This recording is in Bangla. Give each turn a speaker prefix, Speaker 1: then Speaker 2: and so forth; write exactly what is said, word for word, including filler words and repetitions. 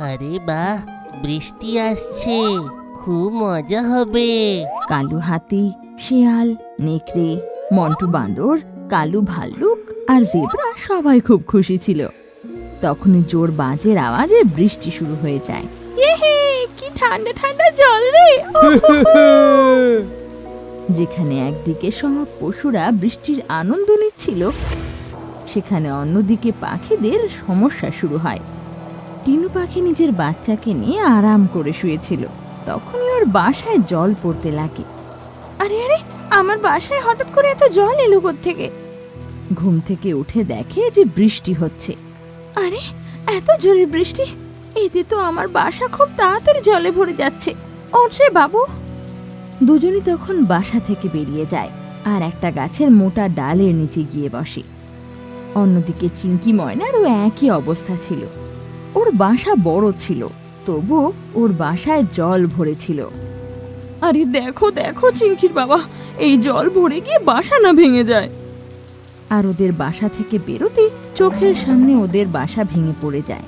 Speaker 1: আরে বাহ, বৃষ্টি আসছে, খুব মজা হবে।
Speaker 2: কালু হাতি, শিয়াল, নেকড়ে, মন্টু বাঁদর, কালু ভাল্লুক আর জেব্রা সবাই খুব খুশি ছিল। তখনই জোর বাজের আওয়াজে বৃষ্টি শুরু হয়ে যায়। ইহে, কি ঠান্ডা ঠান্ডা জল রে! যেখানে একদিকে সব পশুরা বৃষ্টির আনন্দ নিচ্ছিল, সেখানে অন্যদিকে পাখিদের সমস্যা শুরু হয়। টিনু পাখি নিজের বাচ্চাকে নিয়ে আরাম করে শুয়েছিল। তখনই ওর বাসায় জল পড়তে লাগে। আরে আরে, আমার বাসায় হঠাৎ করে এত জল এলো কোত্থেকে? ঘুম থেকে উঠে দেখে যে বৃষ্টি হচ্ছে। আরে, এত জোরে বৃষ্টি! এতে তো আমার বাসা খুব তাড়াতাড়ি জলে ভরে যাচ্ছে। ওঠে বাবু! দুজনই তখন বাসা থেকে বেরিয়ে যায় আর একটা গাছের মোটা ডালের নিচে গিয়ে বসে। অন্যদিকে চিংকি ময়নারও একই অবস্থা ছিল। ওর বাসা বড় ছিল, তবু ওর বাসায় জল ভরেছিল। আরে দেখো দেখো চিংকির বাবা, এই জল ভরে গিয়ে বাসা না ভেঙে যায়। আর ওদের বাসা থেকে বেরোতে চোখের সামনে ওদের বাসা ভেঙে পড়ে যায়।